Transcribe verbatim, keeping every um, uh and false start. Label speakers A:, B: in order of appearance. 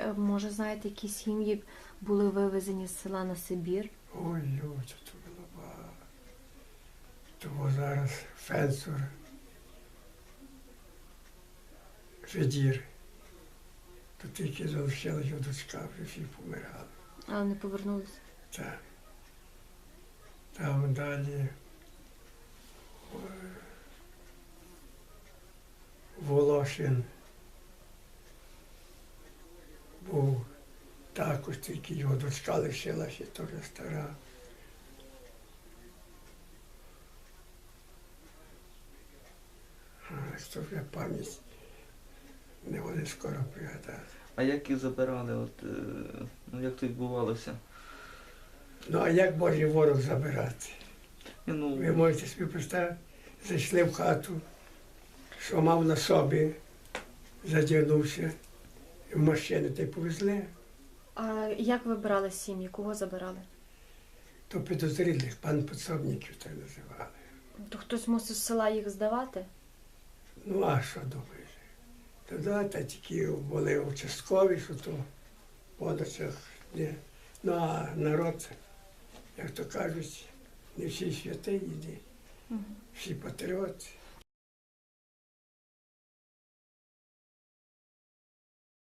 A: е, може, знаєте, які сім'ї були вивезені з села на Сибір?
B: Ой, ой, це було багато. Тому зараз Фенцур, Федір. То тільки залишилась його дочка, вже всі помирали.
A: Але не повернулися.
B: Так. Там далі ой, Волошин був також, тільки його дочка лишилася, теж стара. А що вже пам'ять не вони скоро пригадати.
C: А як їх забирали? От, е, ну, як це відбувалося?
B: Ну а як Божий ворог забирати?
C: Ні, ну,
B: Ви можете собі представити, зайшли в хату, що мав на собі, задягнувся, і в машину та й повезли.
A: А як вибирали сім'ї? Кого забирали?
B: То підозрілих, пан Подсобників так називали.
A: То хтось мусив з села їх здавати?
B: Ну а що думаєш? Тоді та тільки були участкові, що то в подачах. Ні. Ну а народ, як то кажуть, не всі святі йде,
A: Мгм.
B: всі патріоти.